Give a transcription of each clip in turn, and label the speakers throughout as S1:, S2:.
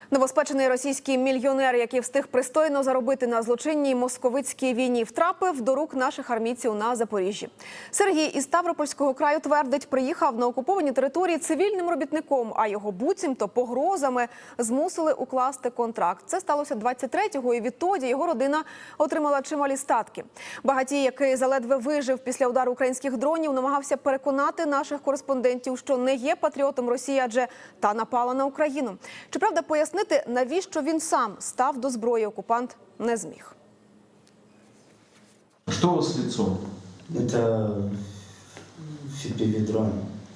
S1: Новоспечений російський мільйонер, який встиг пристойно заробити на злочинній московицькій війні, втрапив до рук наших армійців на Запоріжжі. Сергій із Ставропольського краю твердить, приїхав на окуповані території цивільним робітником, а його буцімто погрозами змусили укласти контракт. Це сталося 23-го, і відтоді його родина отримала чималі статки. Багатій, який заледве вижив після удару українських дронів, намагався переконати наших кореспондентів, що не є патріотом Росії, адже та напала на Україну. Щоправда, пояснити, навіщо він сам став до зброї, окупант не зміг.
S2: Что у вас с лицом?
S3: Это FPV-дрон.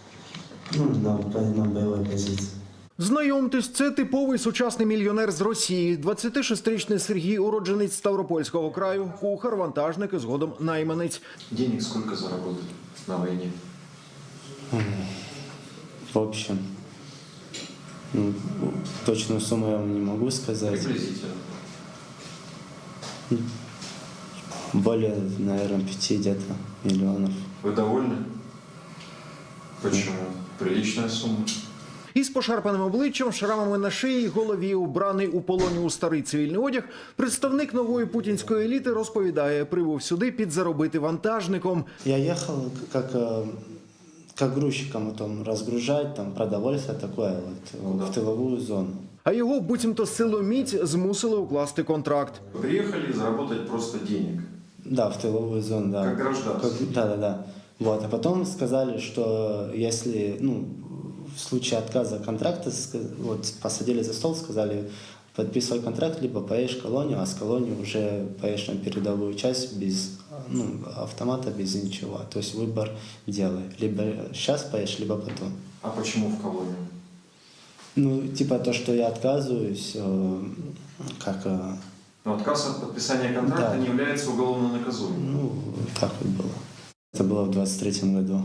S3: На боевой позиции.
S4: Знайомтесь, це типовий сучасний мільйонер з Росії. 26-річний Сергій, уродженець Ставропольського краю, кухар, вантажник і згодом найманець.
S2: Денег сколько заработали на войне?
S3: В общем, точную сумму я вам не могу сказать.
S2: Приблизительно.
S3: Более, наверное, 5 где-то миллионов.
S2: Вы довольны? Почему? Приличная сумма.
S4: Із пошарпаним обличчям, шрамами на шиї й голові, убраний у полоні у старий цивільний одяг, представник нової путінської еліти розповідає, прибув сюди підзаробити вантажником.
S3: Я ехал как грузчиком потом разгружать, там продовольствие такое вот, в тыловую зону.
S4: А його буцімто силоміць змусили укласти контракт.
S2: Вы приехали заработать просто денег.
S3: Да, в тыловую зону, да.
S2: Как гражданский.
S3: Да. Вот, а потом сказали, что если, в случае отказа контракта, вот, посадили за стол, сказали, подписывай контракт, либо поедешь в колонию, а с колонии уже поедешь на передовую часть без автомата, без ничего. То есть выбор делай. Либо сейчас поедешь, либо потом.
S2: А почему в колонию?
S3: Типа то, что я отказываюсь,
S2: Но отказ от подписания контракта
S3: Да.
S2: не является уголовно наказуемым.
S3: так вот было. Это было в 23-м году.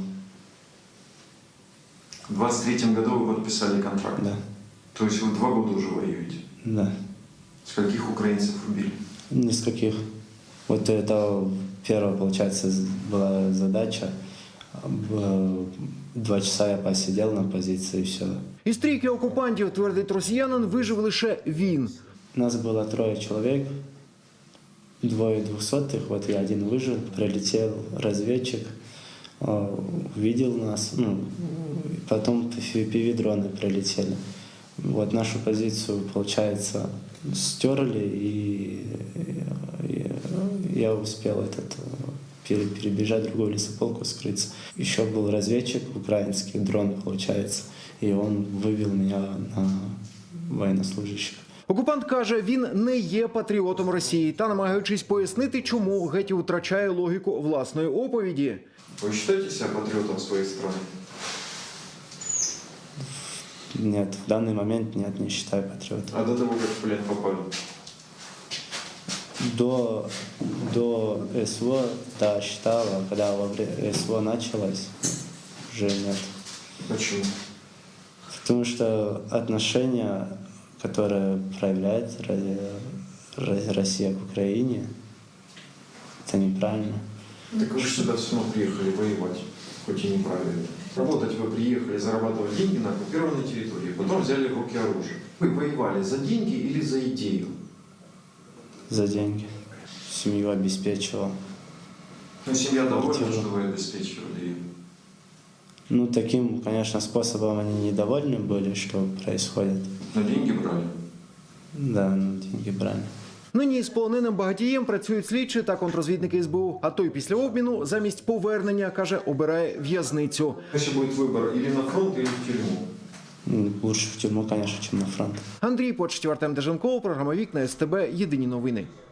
S2: В 23-м году вы подписали контракт?
S3: Да.
S2: То есть вы 2 года уже воюете?
S3: Да.
S2: Скольких украинцев убили?
S3: Ни с каких. Вот это первая, получается, была задача. 2 часа я посидел на позиции и все.
S4: Із трійки окупантів, твердить росіянин, вижив лише він.
S3: Нас было 3 человек, 2 200-х, вот я один выжил, прилетел разведчик, увидел нас, потом FPV-дроны прилетели. Вот нашу позицию, получается, стерли, и я успел перебежать в другую лесополку, скрыться. Еще был разведчик украинский, дрон, получается, и он вывел меня на военнослужащих.
S4: Окупант каже, він не є патріотом Росії та, намагаючись пояснити, чому, геть втрачає логіку власної оповіді.
S2: Вы считаете себя патриотом своей страны?
S3: Нет, в данный момент нет, не считаю патриотом.
S2: А до того, как в плен попали?
S3: До СВО, да, считал, а когда СВО началось, уже нет.
S2: Почему?
S3: Потому что отношения, которые проявляет Россия к Украине, это неправильно.
S2: Так вы же сюда все равно приехали воевать, хоть и неправильно. Работать вы приехали, зарабатывать деньги на оккупированной территории, потом взяли в руки оружие. Вы воевали за деньги или за идею?
S3: За деньги. Семью обеспечивал.
S2: Ну, семья довольна,
S3: Квартиру.
S2: что вы обеспечивали ее.
S3: Таким, конечно, способом они недовольны были, что происходит.
S2: Но деньги брали.
S3: Да, деньги брали.
S4: Нині з полоненим багатієм працюють слідчі та контррозвідники СБУ. А той після обміну замість повернення, каже, обирає в'язницю.
S2: Если будет выбор или на фронт, или в тюрьму.
S3: Лучше в тюрьму, конечно, чем на фронт.
S4: Андрій Почтів, Артем Деженков, програма «Вікна СТБ», єдині новини.